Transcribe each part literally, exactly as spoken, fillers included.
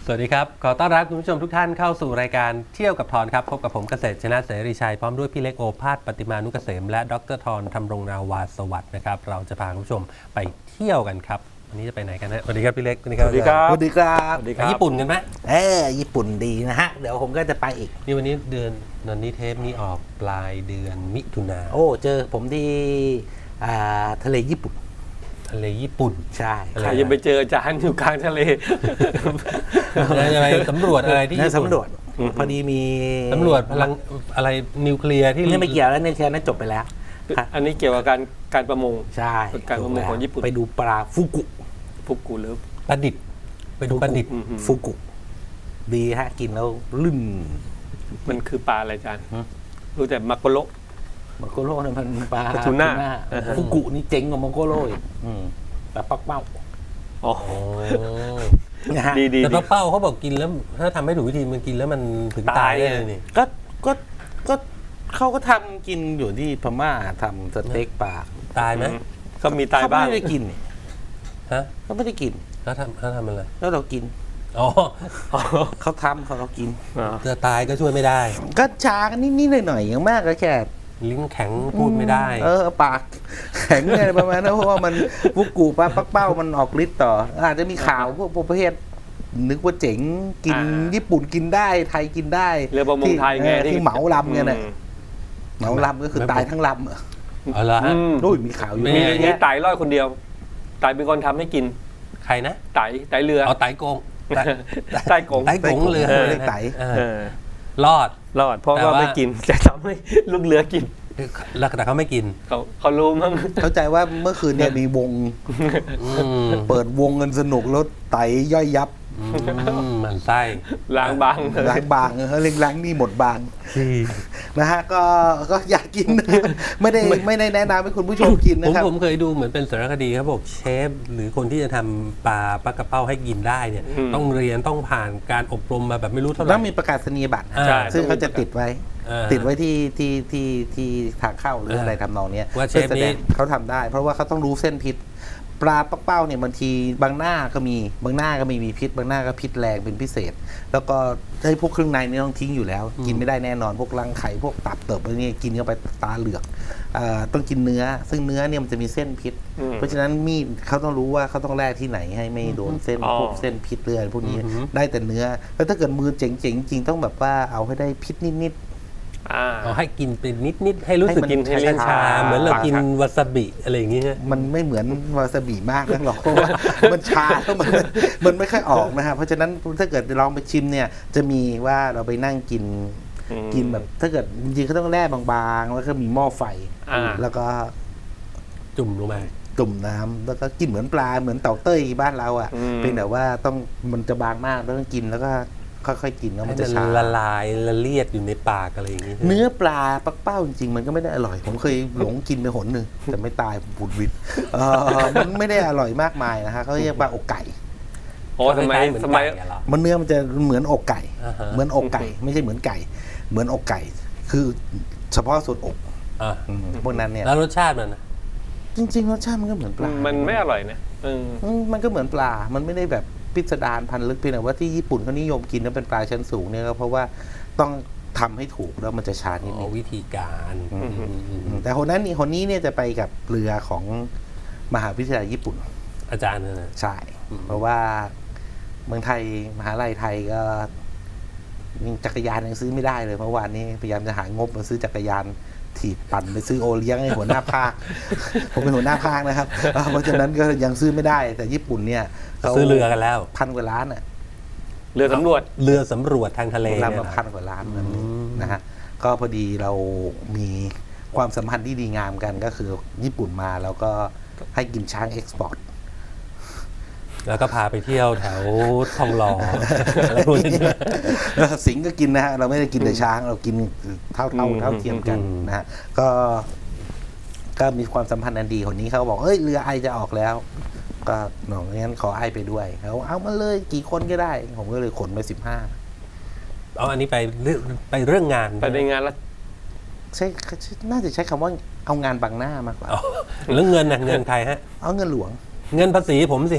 สวัสดีครับขอต้อนรับคุณผู้ชมทุกท่านเข้าสู่รายการเที่ยวกับทอนครับพบกับผมเกษตรชนะเสรีชัยพร้อมด้วยพี่เล็กโอภาสปฏิมานุกเกษมและดรทอนธำรงนาวาสวัสดิ์นะครับเราจะพาคุณผู้ชมไปเที่ยวกันครับวันนี้จะไปไหนกันนะสวัสดีครับพี่เล็กสวัสดีครับสวัสดีครับสวัสดีครับไปญี่ปุ่นกันไหมเออญี่ปุ่นดีนะฮะ เดี๋ยวผมก็จะไปอีกนี่วันนี้เดือนนันนี้เทปนี้ออกปลายเดือนมิถุนาโอ้ เจอผมที่อ่าทะเลญี่ปุ่นทะเลญี่ปุ่นใช่อะไรใครจะไปเจออาจารย์อยู่กลางทะเลแล้วจะไปสำรวจอะไรที่นั่ญี่นปุ่นสำรวจ พอดีมีสำรวจพลังอะไรนิวเคลียร์ที่นี่ไม่เกี่ยวแล้วในเทปนั้นจบไปแล้วอันนี้เกี่ยวกับการการประมงใช่การประมงของญี่ปุ่นไปดูปลาฟุกุฟุกุหรือประดิษฐ์ไปดูประดิษฐ์อืมฟุกุ ดีฮะ กินแล้วลื่นมันคือปลาอะไรอาจารย์ฮะรู้แต่มักโกโระมังโกโร่เนี่ยมันปลาปลาทูน่าทูฟุกุนี่เจ๋งกว่ามังโกโร่อีกอืมแต่ปักเป้าอ๋อโอ้นะฮะดีดีแต่ดีป้าเป้าเขาบอกกินแล้วถ้าทำไม่ถูกวิธีมันกินแล้วมันถึงตายได้เลยนี่ก็ก็ก็เขาก็ทำกินอยู่ที่พม่าทำสเต็กปลาตายไหมก็มีตายบ้างเขาไม่ได้กินนี่ฮะเขาไม่ได้กินเขาทำเขาทำอะไรแล้วเรากินอ๋อเขาทำเขาเรากินอ๋อจะตายก็ช่วยไม่ได้ก็ชากันนิดๆหน่อยๆอย่างมากก็แค่ลิ้นแข็งพูดไม่ได้เออปากแข็งอะไรประมาณนั้นเพราะว่ามันฟุกุปลาปักเป้ามันออกฤทธิ์ต่อ อาจจะมีข่าวพวกประเภทนึกว่าเจ๋งกินญี่ปุ่นกินได้ไทยกินได้เรือประมงไทยไงเออที่เหมาลำไงน่ะอืมเหมาลำก็คือตายทั้งลำอะเอาละอืฮะมโอ้ยมีข่าวอยู่ไม่มีเยอะมีแยะไต่ร้อยคนเดียวไต่เป็นคนทำให้กินใครนะไต่ไต่เรือเอาไตโกงไตไต่กงไตโกงเรือเออไตเออเออรอดรอดเพราะแต่ว่าว่าไม่กินจะทำให้ลูกเรือกินแล้วแต่เขาไม่กินเขาเขารู้มั้งเข้าใจว่าเมื่อคืนเนี่ยมีวงอืมเปิดวงเงินสนุกแล้วไตย่อยยับอืมมันไส้ล้างบางล้างบางเออเล็งล้างนี่หมดบางที่นะฮะก็ก็อยากกินนะครับไม่ได้ไม่ได้แนะนำให้คุณผู้ชมกินผมนะครับผมเคยดูเหมือนเป็นสารคดีครับบอกเชฟหรือคนที่จะทำปลาปลากระเป้าให้กินได้เนี่ย ต้องเรียนต้องผ่านการอบรมมาแบบไม่รู้เท่าไหร่ต้องมีประกาศนียบัตรนะใช่ซึ่งเขาจะติดไว้อ่าติดไว้ที่ที่ที่ที่ทางเข้าหรืออะไรทำนองเนี้ยว่าเชฟพื่อแสดงนี้เขาทำได้ เพราะว่าเขาต้องรู้เส้นพิษ ปลาปักเป้าเนี่ยบางทีบางหน้าก็มีบางหน้าก็ไม่มีพิษ บางหน้าก็พิษแรงเป็นพิเศษ แล้วก็ให้พวกเครื่องในนี่ต้องทิ้งอยู่แล้ว กินไม่ได้แน่นอนพวกรังไข่พวกตับเติบอะไรนี่กินเข้าไปตาเหลือกเอ่อต้องกินเนื้อ ซึ่งเนื้อเนี่ยมันจะมีเส้นพิษอืมเพราะฉะนั้นมีดเขาต้องรู้ว่าเขาต้องแลกที่ไหนให้ไม่โดนเส้นอ๋อพวกเส้นพิษเลือดพวกนี้อือหือได้แต่เนื้อ แล้วถ้าเกิดมือเจ๋งๆจริงต้องแบบว่าเอาให้ได้พิษนิดอ่าเอาให้กินเป็นนิดนิดๆให้รู้สึกให้มันกินให้เล่นชาชาเหมือนเรากินปากวาซาบิอะไรอย่างเงี้ยๆ มันไม่เหมือนวาซาบิมากนักหรอกเพราะว่ามันชาแล้วมันมันไม่ค่อยออกนะฮะเพราะฉะนั้นถ้าเกิดลองไปชิมเนี่ยจะมีว่าเราไปนั่งกินอืมกินแบบ ถ้าเกิดจริงๆเขาต้องแร่บางๆ แล้วก็มีหม้อไฟอ่าแล้วก็จุ่มลงไปจุ่มน้ำแล้วก็กินเหมือนปลาเหมือนเต่าเต้ยบ้านเราอ่ะอืมเป็นแต่ว่าต้องมันจะบางมากแล้วต้องกินแล้วก็ค่อยๆกินแล้วให้มันมัจะนชาละลายละเลียดอยู่ในปากอะไรอย่างงี้ใช่ไหมเนื้อปลาปักเป้าจริงๆมันก็ไม่ได้อร่อย ผมเคยหลงกินไปหนหนึ่งแต่ไม่ตายบุดวิดเออมันไม่ได้อร่อยมากมายนะฮะเขาเรียกปลาอกไก่โอ้สมัยเหมือนสมัยไก่อะเหรอมันเนื้อมันจะเหมือนอกไก่อ่าฮะเหมือนอกไก่ ไม่ใช่เหมือนไก่ เหมือนอกไก่ คือเฉพาะส่วนอกอ่ะอืมพวกนั้นเนี่ยแล้วรสชาติมันนะจริงๆรสชาติมันก็เหมือนปลามันไม่อร่อยนะเอออืมมันก็เหมือนปลา มันไม่ได้แบบพิสดารพันลึกเพียงแต่ว่าที่ญี่ปุ่นเขานิยมกินแล้วเป็นปลาชั้นสูงเนี่ยก็เพราะว่าต้องทำให้ถูกแล้วมันจะชานิดอ๋นึอง วิธีการอืมอืมอืมอืมแต่คนนั้นนี่คนนี้เนี่ยจะไปกับเรือของมหาวิทยาลัยญี่ปุ่นอาจารย์นั่นนะใช่อืมเพราะว่าเมืองไทยมหาลัยไทยก็ยังจักรยานยังซื้อไม่ได้เลยเมื่อวานนี้พยายามจะหางบมาซื้อจักรยานถีบปั่นไปซื้อโอเลี้ยงให้หัวหน้าภาค ผมเป็นหัวหน้าภาคนะครับอ่าเพราะฉะนั้นก็ยังซื้อไม่ได้ แต่ญี่ปุ่นเนี่ยขาซื้อเรือกันแล้วพันกว่าล้านอ่ะเรือสำรวจเรือสำรวจทางทะเลลำเนี่ยละนะพันกว่าล้านแบบนี้อืมนะฮะก็พอดีเรามีความสัมพันธ์ที่ดีงามกันก็คือญี่ปุ่นมาแล้วก็ให้กินช้างเอ็กซ์พอร์ตแล้วก็พาไปเที่ยวแถวทองหล่ออะไรพวกนี้ด้วยสิงห์ก็กินนะฮะเราไม่ได้กินแต่ช้างเรากินเท่าเท่าอืมเท่าเทียมกันอืมนะฮะก็ก็มีความสัมพันธ์อันดีคนนี้เขาบอกเอ้ยเรือไอจะออกแล้ว ก็หนองงั้นขอไอไปด้วยเขาเอามาเลยกี่คนก็ได้ ผมก็เลยขนไปสิบห้าเอาอันนี้ไปเรื่องไปเรื่องงานไปในงานแล้วใช่น่าจะใช้คำว่าเอางานบังหน้ามากกว่าอ๋อแล้วเงินน่ะเงินใครฮะเอาเงินหลวงเงินภาษีผมสิฮะ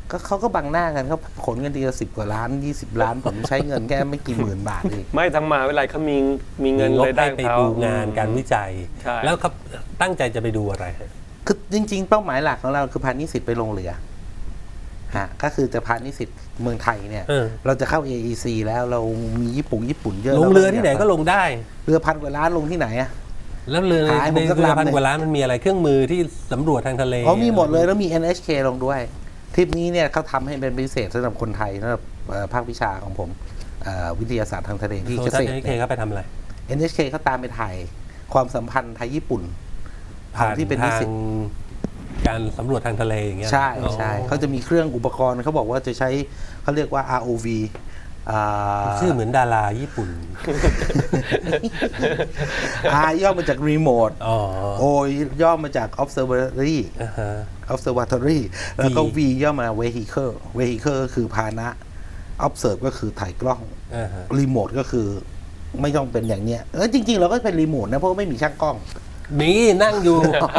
ก็เขาก็บังหน้ากันเขาขนเงินทีละสิบกว่าล้านยี่สิบล้านผมใช้เงินแค่ไม่กี่หมื่นบาทเองไม่ทั้งมหาวิทยาลัยเขามีมีเงินงบเลยได้ให้ไปเขาดูงานการวิจัยใช่แล้วครับตั้งใจจะไปดูอะไรฮะคือจริงๆ เป้าหมายหลักของเราคือพานิสิตไปลงเรือฮะก็คือจะพานิสิตเมืองไทยเนี่ยเออเราจะเข้า เอ อี ซี แล้วเรามีญี่ปุ่นญี่ปุ่นเยอะลงเรือที่ไหนก็ลงได้เรือพันกว่าล้านลงที่ไหนอะแล้วเรือขายผมในสักเรือลำพันหนึ่งกว่าล้านมันมีอะไรเครื่องมือที่สำรวจทางทะเลเขามีหมดเลยแล้วมี เอ็น เอช เค ลงด้วยทริปนี้เนี่ยเขาทำให้เป็นพิเศษสำหรับคนไทยสำหรับเอ่อภาควิชาของผมเอ่อวิทยาศาสตร์ทางทะเลที่โซเกชัษนตรเอเคเนี่ยเขาไปทำอะไรเอ็น เอช เค เขาตามไปถ่ายความสัมพันธ์ไทยญี่ปุ่นผ่านที่เป็นนิทางสิตการสำรวจทางทะเลอย่างเงี้ยใช่อ๋อใช่เขาจะมีเครื่องอุปกรณ์เขาบอกว่าจะใช้เขาเรียกว่า อาร์ โอ วี อ่าชื่อเหมือนดาราญี่ปุ่น R ย่อมาจาก Remote อ๋อ O ย่อมาจาก Observatory อ่าฮะ Observatory แล้วก็ V V ย่อมา Vehicle Vehicle ก็คือพาหนะ Observe ก็คือถ่ายกล้องอ่าฮะ Remote ก็คือไม่ต้องเป็นอย่างเนี้ยเออจริง ๆ เราก็เป็นรีโมทนะเพราะว่าไม่มีช่างกล้องนี่นั่งอยู่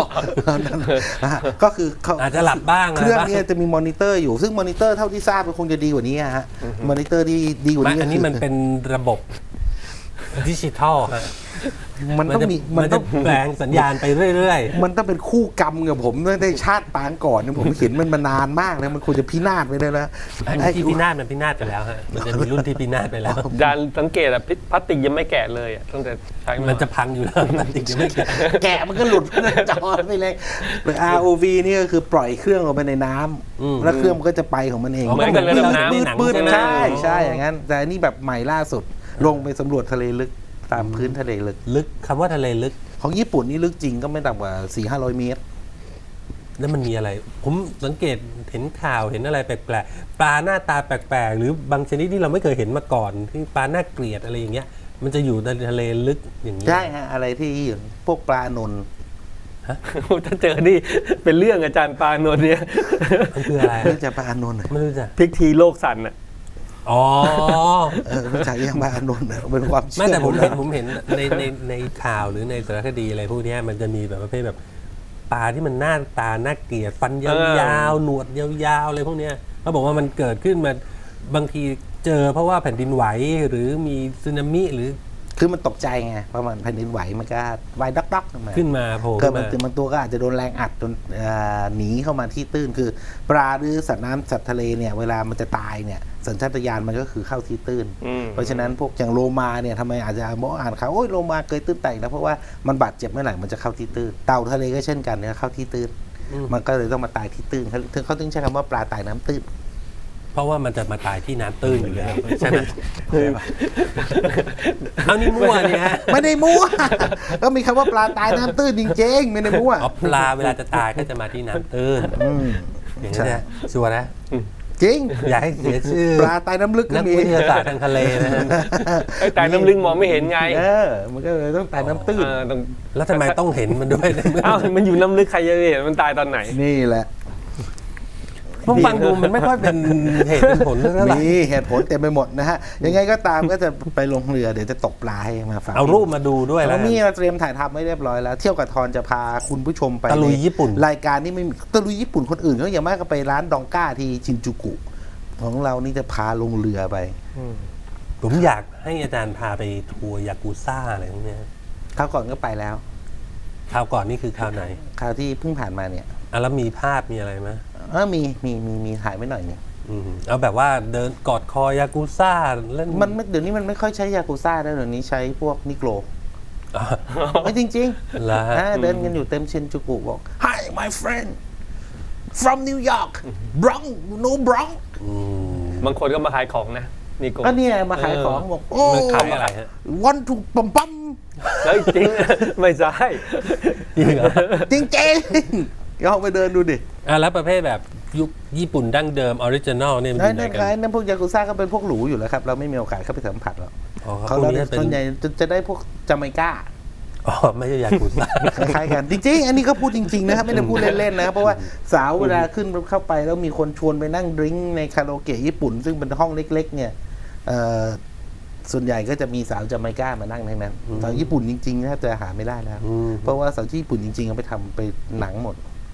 ก็คือเขาอาจจะหลับบ้างเครื่องะไบ้าเนี้จะมีมอนิเตอร์อยู่ซึ่งมอนิเตอร์เท่าที่ทราบมันคงจะดีกว่านี้อะฮะมอนิเตอร์ที่ดีกว่าไม่นี้อันนี้มันเป็นระบบดิจิทัลฮะมันต้องจะมีมัมัน นจะต้องแปลงสัญญาณไปเรื่อยมันต้องเป็นคู่กรรมกับผมตั้งแต่ชาติปางก่อนเนี่ยผมเห็นมันมานานมากแล้วมันควรจะพินาศไปได้แล้วๆอันที่พินาศมันพินาศไปแล้วฮะมันจะมีรุ่นที่พินาศไปแล้วจานสังเกตอะพลาสติกยังไม่แกะเลยอะตั้งแต่ใช้ามันจะพังอยู่แล้วมันติดยังไม่แก่แกะมันก็หลุดในจอไปเลยหรือ อาร์ โอ วี นี่ก็คือปล่อยเครื่องลงไปในน้ำแล้วเครื่องมันก็จะไปของมันเองอ๋อเหมือนกันเลยน้ำปืดปืดใช่ไหมใช่ใช่อย่างนั้น แต่อันนี่แบบใหม่ล่าสุด ลงไปสำรวจทะเลลึกตามพื้นทะเลลึกลึกคำว่าทะเลลึกของญี่ปุ่นนี่ลึกจริงก็ไม่ต่ำกว่า สี่ห้าร้อยเมตรแล้วมันมีอะไร ผมสังเกตเห็นข่าวเห็นอะไรแปลกๆ ปลาหน้าตาแปลกๆ หรือบางชนิดที่เราไม่เคยเห็นมาก่อน ที่ปลาหน้าเกลียดอะไรอย่างเงี้ย มันจะอยู่ในทะเลลึกอย่างนี้ใช่ฮะ อะไรที่พวกปลานนท์ถ้าเจอนี่เป็นเรื่องอาจารย์ปานนท์เนี่ยมันคืออะไรรู้จักปลานนท์เหรอไม่รู้จักพลิกทีโลกสั่นอะอ๋อเออรู้จักยังปลานนท์เหรอเป็นความเชื่อไม่แต่ผมเห็นของผมเห็นในในในข่าวหรือในสารคดีอะไรพวกเนี้ยมันจะมีแบบประเภทแบบปลาที่มันหน้าตาน่าเกลียดฟันยาวๆหนวดยาวๆอะไรพวกเนี้ยเขาบอกว่ามันเกิดขึ้นมาบางทีเจอเพราะว่าแผ่นดินไหวหรือมีสึนามิหรือคือมันตกใจไงเพราะมันแผ่นดินไหวมันก็ไหวด็อกๆขึ้นมาขึ้นมาโผล่เกิขึ้ดนมัมานบางตัวก็อาจจะโดนแรงอัดจนเอ่อหนีเข้ามาที่ตื้นคือ ปลาหรือสัตว์น้ำสัตว์ทะเลเนี่ยเวลามันจะตายเนี่ยสัญชาตญาณมันก็คือเข้าที่ตื้นอืมเพราะฉะนั้นพวกอย่างโลมาเนี่ยทำไมอาจจะมองอ่านข่าวโอ้ยโลมาเกยตื้นแตกแล้วเพราะว่ามันบาดเจ็บเมื่อไหร่มันจะเข้าที่ตื้นเต่าทะเลก็เช่นกันเนี่ยเข้าที่ตื้นมันก็เลยต้องมาตายที่ตื้นเขาถึงเขาถึงใช้คำว่าปลาตายน้ำตื้นเพราะว่ามันจะมาตายที่น้ำตื้นอยู่แล้วใช่ไหมเอานี่มั่วเนี่ยฮะไม่ได้มั่ว ก็มีคำว่าปลาตายน้ำตื้นจริงๆไม่ได้มั่วอ๋อปลาเวลาจะตายก็จะมาที่น้ำตื้นอืมอย่างนี้นนะชัวร์นะจริงอย่าให้เสียชื่อปลาตายน้ำลึกก็นักมีวิทยาศาสตร์ทางทะเลนะฮะไอ้แต่น้ำลึกมองไม่เห็นไงเออ มันก็เลยต้องตายน้ำตื้นเออต้องแล้วทำไมต้องเห็นมันด้วยในเมื่อเอ้ามันอยู่น้ำลึกใครจะเห็นมันตายตอนไหนนี่แหละผมฟังดูมันไม่ค่อยเป็นเหตุเป็นผลเท่าไหร่มีเหตุผลเต็มไปหมดนะฮะ ยังไงก็ตามก็จะไปลงเรือเดี๋ยวจะตกปลาให้มาฝากเอารูปมาดูด้วยแล้แล้ว วนี่เราเตรียมถ่ายทำไว้เรียบร้อยแล้ว เที่ยวกับทอนจะพาคุณผู้ชมไปตะลุยญี่ปุ่นรายการนี้ไม่มีตะลุยญี่ปุ่นคนอื่นเขาอย่างมากก็ไปร้านดองก้าที่ชินจูกุ ของเรานี่จะพาลงเรือไปผมอยากให้อาจารย์พาไปทัวร์ยากูซ่าอะไรพวกเนี้ยคราวก่อนก็ไปแล้วคราวก่อนนี่คือคราวไหนคราวที่เพิ่งผ่านมาเนี่ยอ่ะแล้วมีภาพมีอะไรไหมเออมีมีมีมีถ่ายไว้หน่อยหนึงอืมเอาแบบว่าเดินกอดคอยากูซ่าเล่นมันไม่เดี๋ยวนี้มันไม่ค่อยใช้ยากุซ่าแล้วเดี๋ยวนี้ใช้พวกนิโกรอ๋อไม่จริงเหรอๆฮะอ่าเดินกันอยู่เต็มชินจูกุบอก Hi my friend from New York Bronx no Bronx อืมบางคนก็มาขายของนะนี่โกก็เนี่ยมาขายของบอกโอ้มันขายอะไรฮะวันถูกปั๊มปั๊มแล้วจริง ไม่ใช่จริงเหรอจริงจริงๆลองไปเดินดูดิอ่ะแล้วประเภทแบบยุคญี่ปุ่นดั้งเดิมออริจินอลเนี่ยมันอนั่ยู่นไหนนั่นกัขายนนั่นพวกยากุซ่าก็เป็นพวกหรูอยู่แล้วครับ เราไม่มีโอกาสเข้าไปสัมผัสหรอกอ๋อเขาพวกเรานี้เป็นส่วนใหญ่จะจะได้พวกจาเมกาอ๋อไม่ใช่ยากูซ่าคล้ายๆกัน จริงๆ อันนี้ก็พูดจริง ๆ นะครับ ไม่ได้พูดเล่น ๆ นะครับเพราะว่าสาวเวลาขึ้นเข้าไปแล้วมีคนชวนไปนั่งดริ้งในคาราโอเกะญี่ปุ่น ซึ่งเป็นห้องเล็ก ๆ เนี่ยเอ่อส่วนใหญ่ก็จะมีสาวจาเมกามานั่งทั้งนั้นสาวญี่ปุ่นจริงๆแทบจะหาไม่ได้แล้วอืมเพราะว่าสาวที่ญี่ปุ่นจริงๆเอาไปทำไปหนังหมด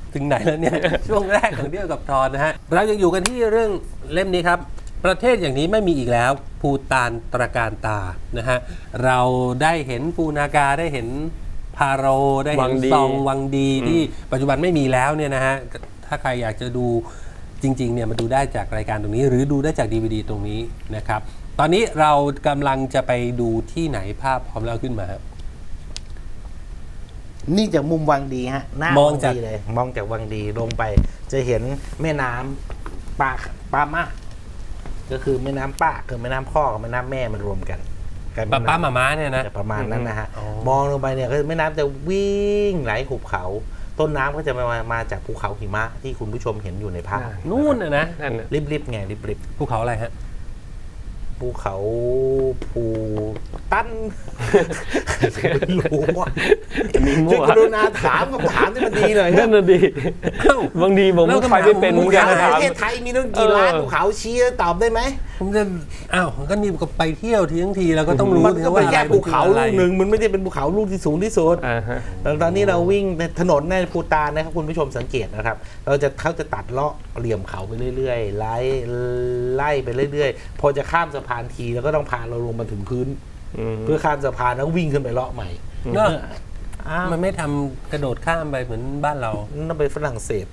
ถึงไหนแล้วเนี่ย ช่วงแรกของเที่ยวกับทอนนะฮะเรายังอยู่กันที่เรื่องเล่มนี้ครับ ประเทศอย่างนี้ไม่มีอีกแล้วภูฏานตระการตานะฮะเราได้เห็นปูนากาได้เห็นพาโรได้วัเห็นงดีซองวังดีที่ปัจจุบันไม่มีแล้วเนี่ยนะฮะถ้าใครอยากจะดูจริงๆเนี่ยมาดูได้จากรายการตรงนี้ หรือดูได้จาก ดี วี ดี ตรงนี้นะครับตอนนี้เรากำลังจะไปดูที่ไหนภาพพร้อมแล้วขึ้นมาครับนี่จากมุมวังดีฮะหน้ามอวังงจากดีเลย มองจากวังดีลงไป จะเห็นแม่น้ำปาปามาก็คือแม่น้ำป้าคือแม่น้ำพ่อกับแม่น้ำแม่มันรวมกันกลายเป็นป้าป้าน้ำมาม้าเนี่ยนะจะประมาณนั้นนะฮะอ๋อมองลงไปเนี่ยก็แม่น้ำจะวิ่งไหลหุบเขา ต้นน้ำก็จะมามาจากภูเขาหิมะที่คุณผู้ชมเห็นอยู่ในภาพนู่นน่ะนะนั่นน่ะริบๆไงริบภูเขาอะไรฮะๆภูเขาภูตั้น ไม่รู้ว่ามีมั่ช่ววยกรุณาถามคำถามที่มันดีหน่อยนั่นน่ะดิบางทีผมแล้วก็คำถามไปไม่เป็นผมเหมือนกันในถามประเทศไทยมีตั้งกี่ล้านเออภูเขาชี้แล้วตอบได้ไหมผมจะอ้าวก็นี่ก็ไปเที่ยวทีทั้งทีเราก็ต้องรู้มันก็เป็นแค่อะไรภูเขามันคือลูอะไรกหนึ่งมันไม่ได้เป็นภูเขาลูกที่สูงที่สุดอ่าฮะแล้วตอนนี้เราวิ่งในถนนในภูฏานนะครับคุณผู้ชมสังเกตนะครับ เราจะเขาจะตัดเลาะเหลี่ยมเขาไปเรื่อยๆไล่ไล่ไปเรื่อยๆ พอจะข้ามสะพานทีแล้วก็ต้องพาเราลงมาถึงพื้นอืมเพื่อข้ามสะพานแล้ววิ่งขึ้นไปเลาะใหม่เนอะอ้าวมันไม่ทำกระโดดข้ามไปเหมือนบ้านเรานั่นไปฝรั่งเศส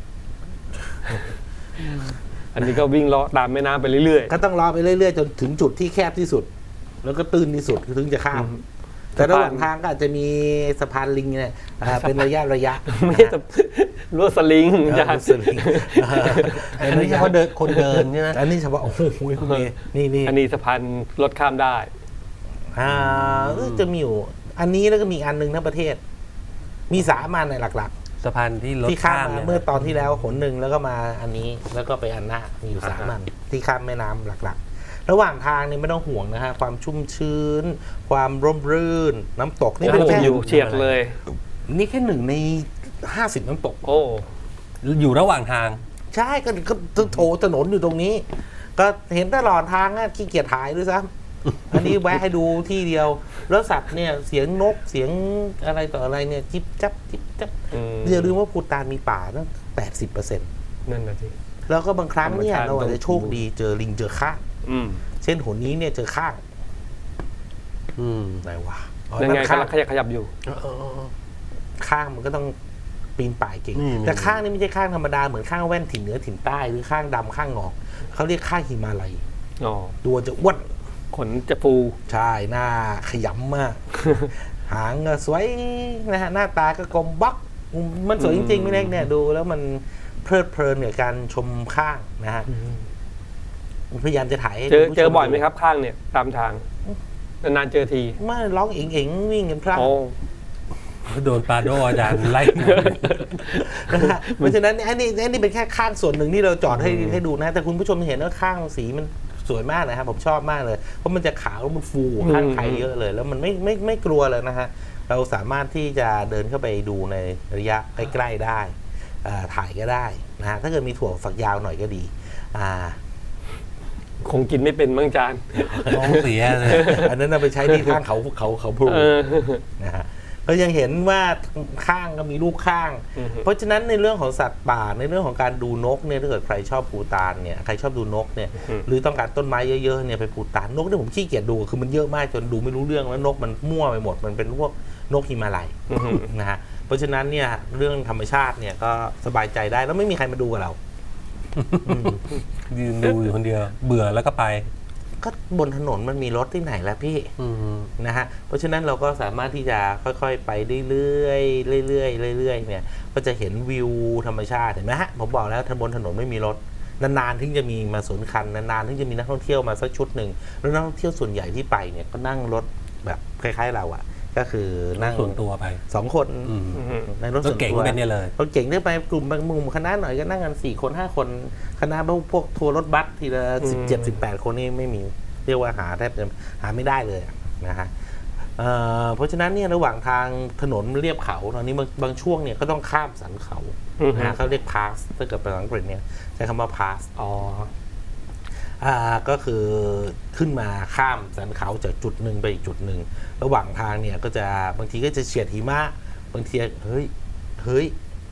อันนี้ก็วิ่งเลาะตามแม่น้ำไปเรื่อยก็ต้องเลาะไปเรื่อยๆ จนถึงจุดที่แคบที่สุด แล้วก็ตื้นที่สุดถึงจะข้าม แต่ระหว่างทางก็อาจจะมีสะพานลิงเนี่ยอ่าเป็นระยะระยะๆ ไม่ใช่จะลวดสลิงอาอาจารจารย์ย์สลิงอันนี้เฉพาะเดินคนเดินใช่ไหมอันนี้เฉพาะโอ้โหคุณเมย์นี่นี่อันนี้สะพานรถข้ามได้อ่าเออจะมีอยู่ อันนี้แล้วก็มีอันหนึ่งทั้งประเทศ มีสามอันในหลักสะพานที่รๆถที่ข้ามข้ามมาเนี่ยเมื่อตอนที่แล้วหนหนึ่งแล้วก็มาอันนี้แล้วก็ไปอันหน้ามีอยู่สามอันที่ข้ามแม่น้ำหลักๆ ระหว่างทางนี่ไม่ต้องห่วงนะฮะความชุ่มชื้น ความร่มรื่น น้ำตกนี่โอ้เป็นโหแค่อยู่เฉียดเลยนี่แค่หนึ่งในห้าสิบน้ำตกโอ้อยู่ระหว่างทางใช่ก็ก็โถถนนอยู่ตรงนี้ ก็เห็นตลอดทางอะขี้เกียจถ่ายด้วยซ้ำ อันนี้แวะให้ดูที่เดียว แล้วสัตว์เนี่ยเสียงนกเสียงอะไรต่ออะไรเนี่ยจิบจับจิบจับอืมอย่าลืมว่าภูฏานมีป่าตั้งแปดสิบเปอร์เซ็นต์นั่นน่ะสิแล้วก็บางครั้งเนี่ยธรรมชาติเราอาจจะโชคดีเจอลิงเจอข้างอืมเช่นหนนี้เนี่ยเจอข้างอืมไหนวะอ๋อยังไงนั่นกำข้างลังขยับขยับอยู่เออเออเออข้างมันก็ต้องปีนป่ายเก่งนี่แต่ข้างนี่ไม่ใช่ข้างธรรมดาเหมือนข้างแว่นถิ่นเหนือถิ่นใต้หรือข้างดำข้างงอกเขาเรียกข้างหิมาลัยอ๋อตัวจะอ้วนขนจะฟูใช่หน้าขยำมาก หางก็สวยนะฮะหน้าตาก็กลมบักมันสวยจริงๆไม่เล็กเนี่ยดูแล้วมันเพลิดเพลินกับการชมข้างนะฮะพยายามจะถ่ายให้เจอคุณผู้ชเจอบ่อยไหมครับข้างเนี่ยตามทางนานๆเจอทีไม่ร้องเอ๋งๆวิ่งกันพลาดโอ้โดนปาโดอาจารย์ไล่นะฮะเพราะฉะนั้นอันนี้อันนี้เป็นแค่ข้างส่วนหนึ่งที่เราจอดให้ให้ดูนะแต่คุณผู้ชมเห็นว่าข้างสีมันสวยมากนะครับผมชอบมากเลยเพราะมันจะขาวแล้วมันฟูกว่าข้างไทยเยอะเลย แล้วมันไม่ไม่ไม่กลัวเลยนะฮะเราสามารถที่จะเดินเข้าไปดูในระยะใกล้ๆได้อ่าถ่ายก็ได้นะฮะถ้าเกิดมีถั่วฝักยาวหน่อยก็ดีอ่าคงกินไม่เป็นมั้งจานท้องเสียเลยอันนั้นเอาไปใช้ที่ข้างเขาเขาเขาพลูเออนะฮะเรายังเห็นว่าข้างก็มีลูกข้างอือฮึเพราะฉะนั้นในเรื่องของสัตว์ป่าในเรื่องของการดูนกเนี่ยถ้าเกิดใครชอบภูฏานเนี่ยใครชอบดูนกเนี่ยหรือต้องการต้นไม้เยอะๆเนี่ยไปภูฏานนกที่ผมขี้เกียจดูคือมันเยอะมากจนดูไม่รู้เรื่องแล้วนกมันมั่วไปหมดมันเป็นพวกนกหิมาลัยอือฮึนะฮะเพราะฉะนั้นเนี่ยเรื่องธรรมชาติเนี่ยก็สบายใจได้แล้วไม่มีใครมาดูกับเราอืมยืนดูอยู่คนเดียว เบื่อแล้วก็ไปก็บนถนนมันมีรถที่ไหนแล้วพี่อืมนะฮะ เพราะฉะนั้นเราก็สามารถที่จะค่อยๆ ไปเรื่อยๆ เรื่อยๆ เรื่อยๆ เนี่ย ก็จะเห็นวิวธรรมชาติเห็นไหมฮะ ผมบอกแล้วบนถนนไม่มีรถ นานๆ ถึงจะมีมาสวนคัน นานๆ ถึงจะมีนักท่องเที่ยวมาสักชุดหนึ่ง แล้วนักท่องเที่ยวส่วนใหญ่ที่ไปเนี่ยก็นั่งรถแบบคล้ายๆ เราอะก็คือนั่งส่วนตัวไปสองคนอืมอือฮึในรถรส่ถวนเก๋งตัวเป็นเนี่ยเลยรถเก่งได้ไปกลุ่มบางมุมคณะหน่อยก็นั่งกันสี่คนห้าคนคณะพวกพวกทัวร์รถบัสทีละสิบเจ็ดสิบแปดคนนี่ไม่มีเรียกว่าหาแทบจะหาไม่ได้เลยอะนะฮะเอ่อเพราะฉะนั้นเนี่ยระหว่างทางถนนเรียบเขาตอนนี้บางบางช่วงเนี่ยก็ต้องข้ามสันเขาอือฮึนะฮะเขาเรียก pass ถ้าเกิดเป็นภาษาอังกฤษเนี่ยใช้คำว่า pass อ๋ออ่าก็คือขึ้นมาข้ามสันเขาจากจุดหนึ่งไปอีกจุดหนึ่งระหว่างทางเนี่ยก็จะบางทีก็จะเฉียดหิมะบางทีเฮ้ยเฮ้ย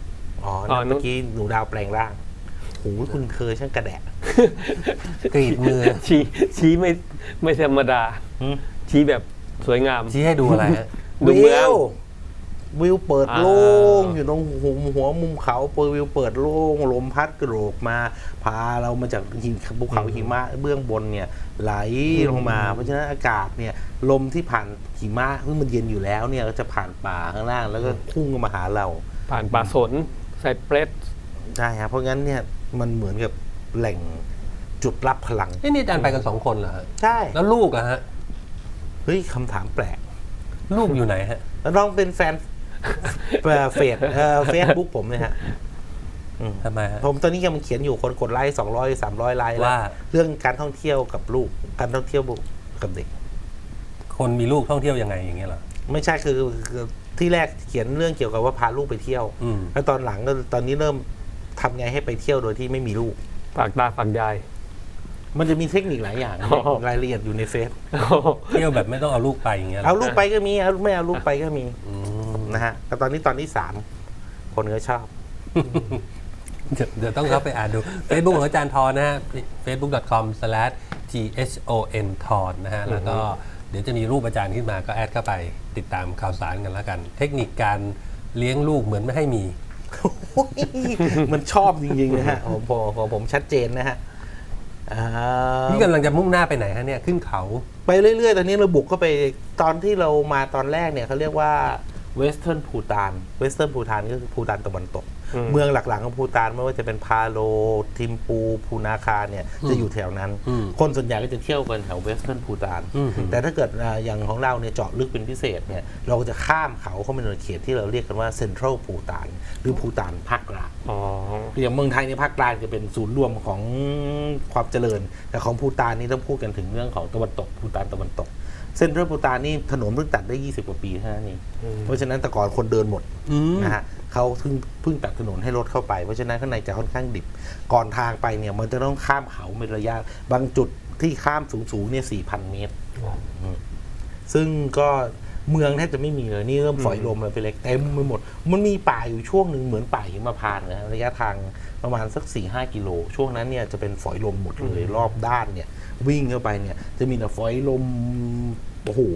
อ๋ออ๋อนั่นเมื่อกี้หนูดาวแปลงร่างโหคุณเธอช่างกระแดะกรีดมือชี้ชี้ไม่ไม่ธรรมดาหืมชี้แบบสวยงามชี้ให้ดูอะไรฮะดูเมืองวิวเปิดอ่าโล่งอยู่ตรงหัวหัวมุมเขาเปิดวิวเปิดโล่งลมพัดกระโดกมาพาเรามาจากหินภูเขาหิมะเบื้องบนเนี่ยไหลลงมา เพราะฉะนั้นอากาศเนี่ยลมที่ผ่านหิมะซึ่งมันเย็นอยู่แล้วเนี่ยก็จะผ่านป่าข้างล่างแล้วก็พุ่งมาหาเราผ่านป่าสนไซเปรสใช่ครับเพราะงั้นเนี่ยมันเหมือนกับแหล่งจุดรับพลังเอ้นี่อาจารย์ไปกันสองคนเหรอฮะใช่แล้วลูกอะฮะเฮ้ยคำถามแปลกลูกอยู่ไหนฮะแล้วน้องเป็นแฟนเอ่อเฟซเฟซบุ๊กผมเลยฮะอืมทำไมฮะผมตอนนี้กำลังเขียนอยู่คนกดไลค์สองร้อยสามร้อยไลค์แล้วว่าเรื่องการท่องเที่ยวกับลูกการท่องเที่ยวกับเด็กคนมีลูกท่องเที่ยวยังไงอย่างเงี้ยเหรอไม่ใช่คือคือที่แรกเขียนเรื่องเกี่ยวกับว่าพาลูกไปเที่ยวอืมแล้วตอนหลังก็ตอนนี้เริ่มทำไงให้ไปเที่ยวโดยที่ไม่มีลูกฝากตาฝากยายมันจะมีเทคนิคหลายอย่างอ๋อรายละเอียดอยู่ในเฟซเที่ยวแบบไม่ต้องเอาลูกไปอย่างเงี้ยหรเอาลูกไปก็มีเอาไม่เอาลูกไปก็มีอืมนะฮะแต่ตอนนี้ตอนที่สามคนก็ชอบเดี๋ยวเดี๋ยวต้องเข้าไปอ่านดู Facebook ของอาจารย์ทอนนะฮะ เฟซบุ๊ก ดอท คอม สแลช ที เอช โอ เอ็น ทอนนะฮะ แล้วก็เดี๋ยวจะมีรูปอาจารย์ขึ้นมาก็แอดเข้าไปติดตามข่าวสารกันแล้วกัน เทคนิคการเลี้ยงลูกเหมือนไม่ให้มีมันชอบจริงๆนะฮะผมผมผมผมชัดเจนนะฮะอ่านี่กำลังจะมุ่งหน้าไปไหนฮะเนี่ย ขึ้นเขาไปเรื่อยๆ ตอนนี้เราบุกเข้าไปตอนที่เรามาตอนแรกเนี่ยเขาเรียกว่าเวสเทิร์นพูตานเวสเทิร์นพูตานก็คือพูตานตะวันตกอืมเมืองหลักๆของพูตานไม่ว่าจะเป็นพาโลทิมปูพูนาคาเนี่ยจะอยู่แถวนั้นอืมคนส่วนใหญ่ก็จะเที่ยวกันแถวเวสเทิร์นพูตานอืมแต่ถ้าเกิดอ่าอย่างของเราเนี่ยเจาะลึกเป็นพิเศษเนี่ยเราก็จะข้ามเขาเข้ามาในเขตที่เราเรียกกันว่าเซ็นทรัลพูตานหรือพูตานภาคกลางอ๋ออย่างเมืองไทยในภาคกลางจะเป็นศูนย์รวมของความเจริญ แต่ของภูฏานนี่ต้องพูดกันถึงเรื่องของตะวันตกภูฏานตะวันตก เส้นเรื่องภูฏานนี่ถนนเพิ่งตัดได้ยี่สิบกว่าปีเท่านั้นเองอืมเพราะฉะนั้นแต่ก่อนคนเดินหมดอืมนะฮะเขาเพิ่งเพิ่งตัดถนนให้รถเข้าไปเพราะฉะนั้นข้างในจะค่อนข้างดิบ ก่อนทางไปเนี่ยมันจะต้องข้ามเขาเป็นระยะ บางจุดที่ข้ามสูงๆเนี่ยสี่พันเมตร ซึ่งก็เมืองแทบจะไม่มีเลยนี่เริ่มฝอยลมเลยไปเล็กเต็มไปหมด มันมีป่าอยู่ช่วงหนึ่งเหมือนป่าหิมพานต์นะฮะระยะทางประมาณสักสี่ห้ากิโล ช่วงนั้นเนี่ยจะเป็นฝอยลมหมดเลยรอบด้านเนี่ย วิ่งเข้าไปเนี่ย จะมีแต่ฝอยลมโอ้โห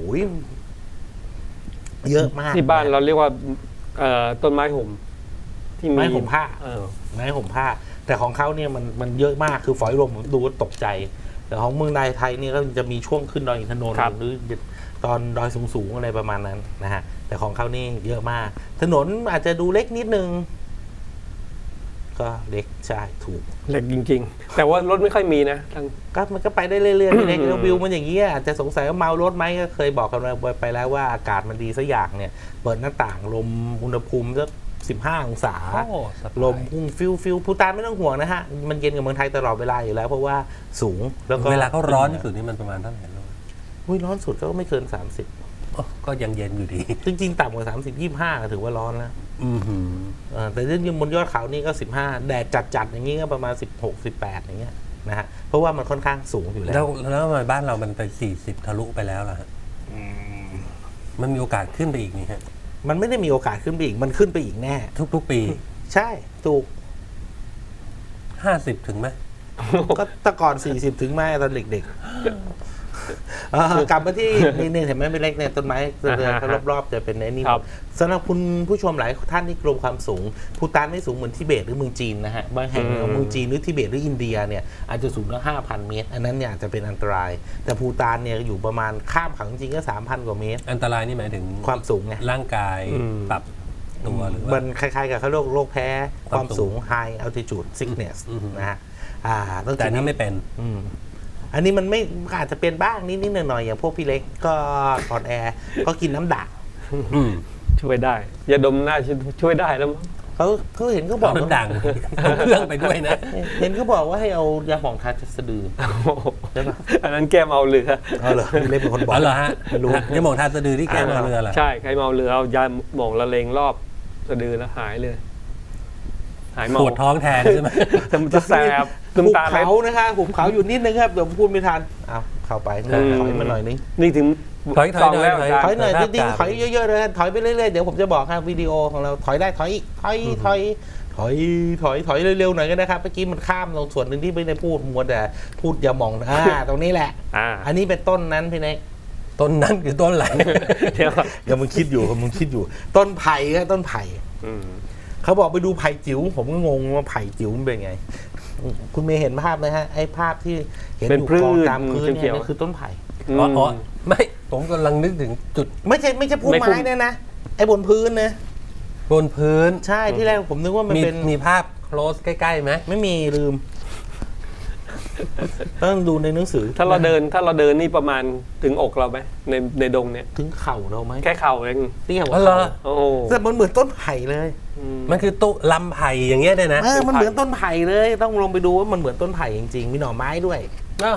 เยอะมากที่บ้านเราเรียกว่าเอ่อต้นไม้ห่มที่มีไม้ห่มผ้าเออไม้ห่มผ้า แต่ของเขาเนี่ยมันมันเยอะมากคือฝอยลมผมดูแล้วตกใจ แต่ของเมืองไทยไทยเนี่ยก็จะมีช่วงขึ้นดอยอินทนนท์หรือตอนดอยสูงๆอะไรประมาณนั้นนะฮะแต่ของเขานี่เยอะมาก ถนนอาจจะดูเล็กนิดนึง ก็เล็กใช่ถูกเหล็กจริง ๆ แต่ว่ารถไม่ค่อยมีนะทางก็มันก็ไปได้เรื่อยๆเล็กอืมแล้ววิวมันอย่างนี้ยอาจจะสงสัยว่าเมารถไหมก็เคยบอกกันไปแล้วว่าอากาศมันดีสักอย่างเนี่ย เปิดหน้าต่างลมอุณหภูมิสักสิบห้าองศาโอ้สบายลมพุ่งฟิวฟิวภูฏานไม่ต้องห่วงนะฮะ มันเย็นกับเมืองไทยตลอดเวลาอยู่แล้ว เพราะว่าสูงแล้วก็เวลาเขาร้อนที่สุดนี่มันประมาณเท่าไหร่ลูกอุ้ยร้อนสุดก็ไม่เกินสามสิบโอ้ก็ยังเย็นอยู่ดีจริงๆต่ำกว่าสามสิบยี่ห้าถือว่าร้อนแล้วอือหือเออแต่จริงๆบนยอดเขานี่ก็สิบห้าแดดจัดๆอย่างนี้ก็ประมาณสิบหก สิบแปดอย่างเงี้ยนะฮะเพราะว่ามันค่อนข้างสูงอยู่แล้แล้ว วแล้วทำไมบ้านเรามันไปสี่สิบทะลุไปแล้วล่ะฮะอืมมันมีโอกาสขึ้นไปอีกนี่ฮะมันไม่ได้มีโอกาสขึ้นไปอีกมันขึ้นไปอีกแน่ทุกๆปีใช่ถูกห้าสิบถึงไหมก็แต่ก่อนสี่สิบถึงแม่ตอนเด็กๆเอ่อกลับมาที่นี่เนี่ยเห็นไหมเป็นเล็กเนี่ยต้นไม้เขารอบๆจะเป็นไอ้นี่ครับสำหรับคุณผู้ชมหลายท่านที่กลัวความสูงภูฏานไม่สูงเหมือนทิเบตหรือเมืองจีนนะฮะบางแห่งเมืองจีนหรือทิเบตหรืออินเดียเนี่ยอาจจะสูงตั้งห้าพันเมตร อันนั้นเนี่ยอาจจะเป็นอันตราย แต่ภูฏานเนี่ยอยู่ประมาณข้ามเขาจริงๆก็สามพันกว่าเมตรอันตรายนี่หมายถึงความสูงไงร่างกายอืมปรับตัวหรือมัว่านคล้ายๆกับเขาโรคโรคแพ้ความสูง high altitude sickness อืมนะฮะอ่าต้องแต่อันนี้ไม่เป็นอืมอันนี้มันไม่อาจจะเป็นบ้างนิดๆหน่อยๆอย่างพวกพี่เล็กก็อ่อนแอก็กินน้ำด่างอืมช่วยได้ยาดมน่าจะช่วยได้แล้วมั้งเขาเขาเห็นเขาบอเอากน้ำด่างเอาเครื่องไปด้วยนะเห็นเขาบอกว่าให้เอายาหมองทาจะสะดือใช่ปะอันนั้นแก้เมาเรือเอาเหรอพี่เล็กเป็นคนบอกอ๋อเหรอฮะไม่รู้ยังมองทานสะดือที่แก้มาเรือเหรอใช่ใครเมาเรือเอายาหมองละเลงรอบสะดือแล้วหายเลย หายเมาปวดท้องแทนใช่ไหมแต่มันจะแสบหุบน้ำตาไหลเขานะคะหุบเขาอยู่นิดนึงครับเดี๋ยวพูดไม่ทันเอาเข้าไปอืมถอยมาหน่อยนึงนี่ถึงถอยถอยสองถอยแล้วถอยอาจารถอยย์หน่อยภาจพริงกลางๆถอยเยอะๆเลยถอยไปเรื่อยๆเดี๋ยวผมจะบอกครับวิดีโอของเราถอยได้ถอยอีกถอยถอยถถอยถอยถอยเร็วๆหน่อยก็นะครับเมื่อกี้มันข้ามตรงส่วนหนึ่งที่ไม่ได้พูดมัวแต่พูดอย่ามองอ่าตรงนี้แหละอ่าอันนี้เป็นต้นนั้นพี่เน็กต้นนั้นคือต้นอะไรเดี๋ยวก่อนกำลังคิดอยู่กำลังคิดอยู่ ต้นไผ่ก็ต้นไผ่อืมเขาบอกไปดูไผ่จิ๋วผมก็งงว่าไผ่จิ๋วมันเป็นไง คุณเมย์เห็นภาพไหมฮะไอ้ภาพที่เห็นเป็นอยู่พืชกองตามพื้นเขีเนี่ยยวๆนั่นคือต้นไผ่อ๋ออ๋อไม่ผมกำลังนึกถึงจุดไม่ใช่ไม่ใช่พุ่มไม่พุ่ไม้มเนี่ยนะไอ้บนพื้นนะบนพื้นใช่ที่แรกผมนึกว่ามันมีเป็นมีภาพ close ใกล้ๆไหมไม่มีลืม ต้องดูในหนังสือถ้าเราเดินถ้าเราเดินนี่ประมาณถึงอกเราไหมในในดงเนี่ยถึงเข่าเราไหมแค่เข่าเองเตี้ยกอ๋ว่าอเหรอเข่าโอ้โหแต่มันเหมือนต้นไผ่เลยอืมมันคือตุลำไผ่อย่างเงี้ยเนี่ยนะเออมันเหมือนต้นไผ่เลย ต้องลงไปดูว่ามันเหมือนต้นไผ่จริงๆ มีหน่อไม้ด้วยอ้าว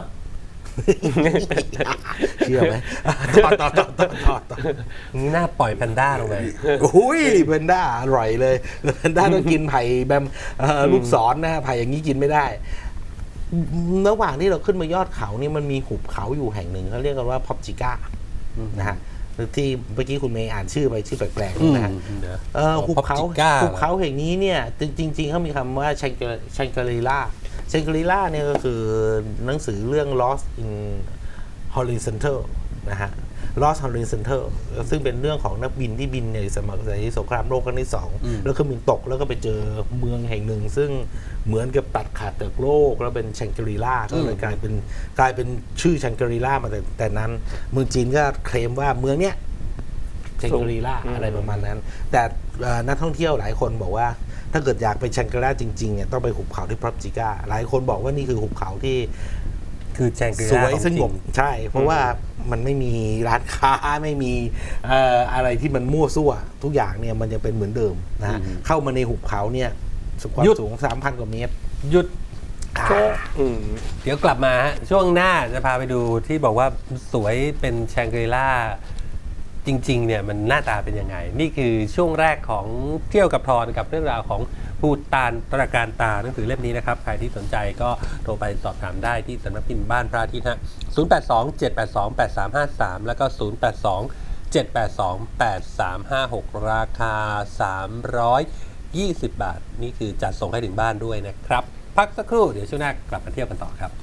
เชื่อไหมต่อต่อต่อต่อต่อต่อนี่น่าปล่อยแพนด้าลงไปอุ้ยเพนด้าอร่อยเลยเพนด้าต้องกินไผ่แบบเอ่อลูกศรนะฮะไผ่อย่างนี้กินไม่ได้ ระหว่างที่เราขึ้นมายอดเขานี่มันมีหุบเขาอยู่แห่งหนึ่งเขาเรียกกันว่าพอบจิก้านะฮะที่เมื่อกี้คุณเมย์อ่านชื่อไปชื่อแปลกอืมๆนะฮะเดี๋ยวเออหุบเขา Popsica หุบเขาแห่งนี้เนี่ยจริง ๆเขามีคำว่าชังชังกรีล่าชังกรีล่าเนี่ยก็คือหนังสือเรื่อง Lost in Horizontal นะฮะ Lost Horizontal ซึ่งเป็นเรื่องของนักบินที่บินในสมัยสงครามโลกครั้งที่สองอืมแล้วเครื่องบินตกแล้วก็ไปเจอเมืองแห่งหนึ่ง ซึ่งเหมือนกับตัดขาดจากโลกแล้วเป็นชังกรีล่าก็เลยกลายเป็นกลายเป็นชื่อชังกรีล่ามาแต่แต่นั้นเมืองจีนก็เคลมว่าเมืองเนี้ย ชังกรีล่าอืมอะไรประมาณนั้น แต่เอ่อนักท่องเที่ยวหลายคนบอกว่า ถ้าเกิดอยากไปชังกรีล่าจริงๆเนี่ยต้องไปหุบเขาที่พรอพจิก้าหลายคนบอกว่านี่คือหุบเขาที่คือแจงกรีสล่าวยของสจงริบงใช่ เพราะว่ามันไม่มีร้านค้าไม่มีเอ่ออะไรที่มันมั่วซั่ว ทุกอย่างเนี่ยมันยังเป็นเหมือนเดิมนะฮะอืมเข้ามาในหุบเขาเนี่ยความหยุดสูง สามพัน กว่าเมตรหยุดอ่าอืมเดี๋ยวกลับมาฮะช่วงหน้าจะพาไปดูที่บอกว่าสวยเป็นแชงกรีล่าจริงๆเนี่ยมันหน้าตาเป็นยังไง นี่คือช่วงแรกของเที่ยวกับทอนกับเรื่องราวของภูตานตระการตาหนังสือเล่มนี้นะครับ ใครที่สนใจก็โทรไปสอบถามได้ที่สำนักพิมพ์บ้านพระอาทิตย์ฮะศูนย์ แปด สอง เจ็ด แปด สอง แปด สาม ห้า สาม แล้วก็ ศูนย์ แปด สอง เจ็ด แปด สอง แปด สาม ห้า หก ราคา สามร้อยยี่สิบ บาท นี่คือจัดส่งให้ถึงบ้านด้วยนะครับ พักสักครู่เดี๋ยวช่วงหน้ากลับมาเที่ยวกันต่อครับ